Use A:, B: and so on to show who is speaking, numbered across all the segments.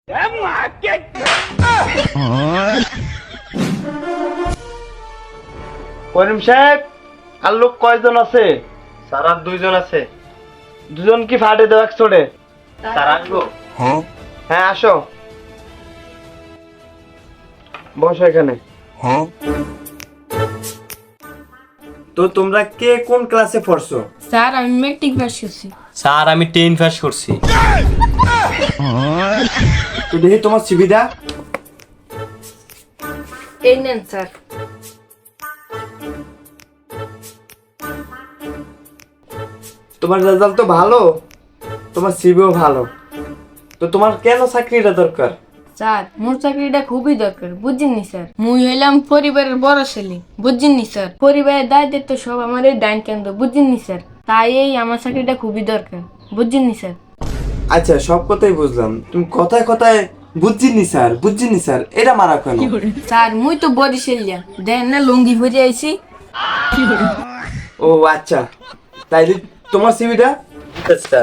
A: করিম সাহেব, আর লোক কয়জন আছে?
B: স্যার আর 2 জন আছে।
A: দুজন কি ফাটে দেওয়া চড়ে?
B: স্যার আসবো?
A: হ্যাঁ আসো, বসো এখানে। তো তোমরা কে কোন ক্লাসে পড়ছো?
C: স্যার আমি মেট্রিক পাস করছি।
B: স্যার আমি 10 পাস করছি।
A: তো দেখি তোমার সুবিধা।
C: এই নেন স্যার।
A: তোমার রেজাল্ট তো ভালো, তোমার সিভিও ভালো, তো তোমার কেন চাকরিটা দরকার?
C: স্যার মোর চাকরিটা খুবই দরকার, বুঝছেননি স্যার? মুই হইলাম পরিবারের বড় ছেলে, বুঝছেননি স্যার? পরিবারের দায়িত্ব সব আমার এই ডাইন কেন্দ্র, বুঝছেননি স্যার? তাই এই আমার চাকরিটা খুবই দরকার, বুঝছেননি স্যার?
A: আচ্ছা সব কথাই বুঝলাম, তুমি কথায় কথায় বুঝছিনি স্যার, বুঝছিনি স্যার, এটা মারা কেন?
C: স্যার মুই তো বরিশালিয়া, দেন না লুঙ্গি ভরে আইছি।
A: ও আচ্ছা, তাই তোমার সিভিটা।
B: স্যার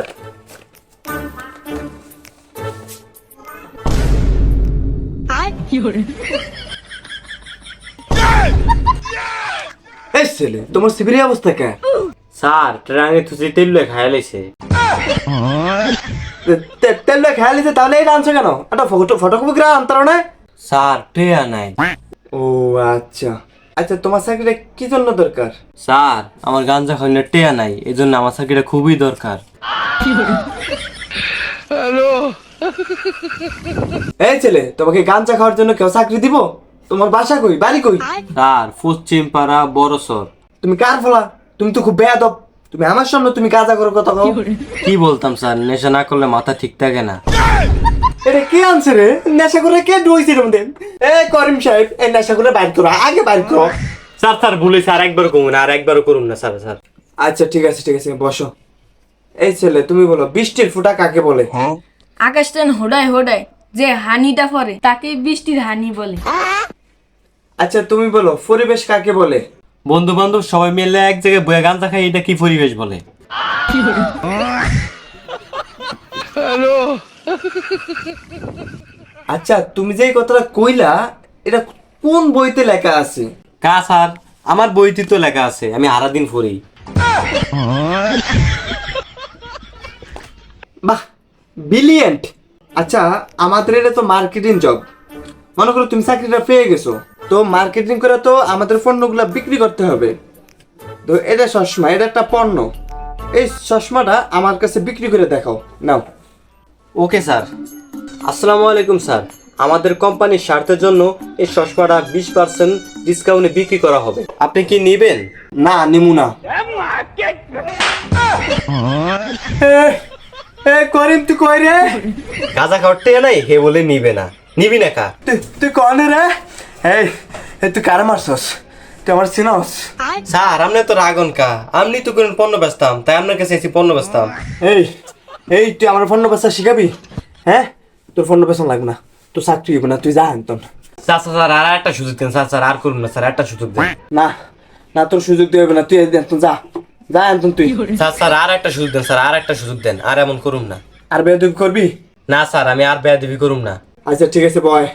A: এই ছেলে, তোমার সিভির অবস্থা কে?
B: স্যার ট্রাঙ্গে তুই তেল খাইয়া লাইছে।
A: তেল খেয়াল দিতে, তাহলে এটা আনছো কেন? একটা ফটোকপি আনতার না?
B: স্যার টেয়া নাই।
A: ও আচ্ছা আচ্ছা, তোমার চাকরিটা কি জন্য দরকার?
B: স্যার আমার গাঞ্জা খাইলে টেয়া নাই, এজন্য আমার চাকরিটা খুবই দরকার।
A: এই ছেলে, তোমাকে গাঞ্জা খাওয়ার জন্য কেউ চাকরি দিব? তোমার বাসা কই, বাড়ি কই?
B: স্যার পশ্চিম পাড়া বড়সর।
A: তুমি কার ফলা? তুমি তো খুব বেয়াদব, তুমি আমার সামনে তুমি গাঁজা করার কথা কও।
B: কি বলতাম স্যার, নেশা না করলে মাথা ঠিক থাকে না।
A: এটা কে আনছে রে? নেশা করে কে ডুইছে রে মধ্যে? এ করিম সাহেব, এই নেশা করে বাইর করো, আগে বাইর করো।
B: স্যার স্যার ভুলে স্যার, একবার করুন আর একবারও করুন না স্যার। স্যার
A: আচ্ছা ঠিক আছে ঠিক আছে, বসো। এই ছেলে তুমি বলো, বৃষ্টির ফোঁটা কাকে বলে?
C: আকাশ টান হোডায় হোডায় যে হানিটা পড়ে তাকে বৃষ্টির হানি বলে।
A: আচ্ছা তুমি বলো, পরিবেশ কাকে বলে?
B: বন্ধু বান্ধব সবাই মিলে এক জায়গায় বয়ে গাঞ্জা খাই, এটা কি পরিবেশ বলে?
A: আচ্ছা তুমি যে এই কথাটা কইলা, এটা কোন বইতে লেখা আছে?
B: কা স্যার, আমার বইতে তো লেখা আছে, আমি সারাদিন পড়ি।
A: বাহ, ব্রিলিয়েন্ট। আচ্ছা আমাদের এটা তো মার্কেটিং জব, মনে করো তুমি চাকরিটা পেয়ে গেছো, তো মার্কেটিং করে তো আমাদের পণ্যগুলো বিক্রি করতে হবে। তো এটা চশমা, এটা একটা পণ্য, এই চশমাটা আমার কাছে বিক্রি করে দেখাও, নাও।
B: Okay sir. আসসালামু আলাইকুম স্যার, আমাদের কোম্পানির স্বার্থের জন্য এই চশমাটা 20% ডিসকাউন্টে বিক্রি করা হবে, আপনি কি নেবেন?
A: না নিমু না। করিম তুই কই রে?
B: গাঁজা খাওয়াতে নাই হে বলে নিবে না, নিবি না কা?
A: তুই কনে রে? এই তুই কারে মারছস? তুই আমার চিনস?
B: স্যার আপনি তো রাগন কা, আপনি তো কোন পণ্য বেচতাম, তাই আপনার কাছে এসে পণ্য বেচতাম।
A: এই এই তুই আমার পণ্য বেচা শিখাবি? হ্যাঁ, তোর পণ্য বেচা লাগবে না, তোর চাকরি হইব না, তুই যা আনতন।
B: স্যার স্যার আর একটা সুযোগ দেন স্যার, স্যার আর করুন না স্যার, একটা সুযোগ দেন।
A: না না, তোর সুযোগ দিয়ে হবে না, তুই আনতন, যা যা আনতন তুই।
B: স্যার স্যার আর একটা সুযোগ দেন স্যার, আর একটা সুযোগ দেন, আর এমন করুন না।
A: আর বেয়াদবি করবি
B: না স্যার, আমি আর বেয়াদবি করুম না।
A: আচ্ছা ঠিক আছে বয়।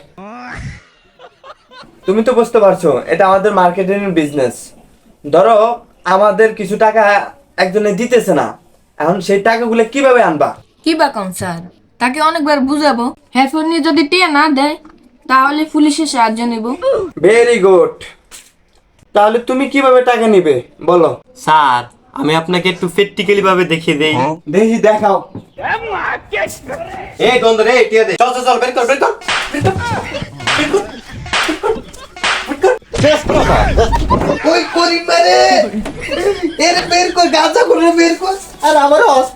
A: তুমি তো বুঝতে পারছো এটা আমাদের মার্কেটিং বিজনেস। ধরো আমাদের কিছু টাকা একজনে দিতেছে না, এখন সেই টাকাগুলো কিভাবে আনবা?
C: কি বা কম স্যার, তাকে অনেকবার বুঝাবো, হেডফোন নিয়ে যদি টিয়া না দেয় তাহলে পুলিশের সাহায্য নেব।
A: ভেরি গুড, তাহলে তুমি কিভাবে টাকা নিবে বলো?
B: স্যার আমি আপনাকে একটু প্র্যাকটিক্যালি ভাবে দেখিয়ে দেই।
A: দেখি দেখাও।
B: এই গন্ধ রে, টিয়া দে, চল চল চল, বের কর বের কর
A: ওই করিম মারে, এর বের কর, গাঁজা করে বের কর, আর আমার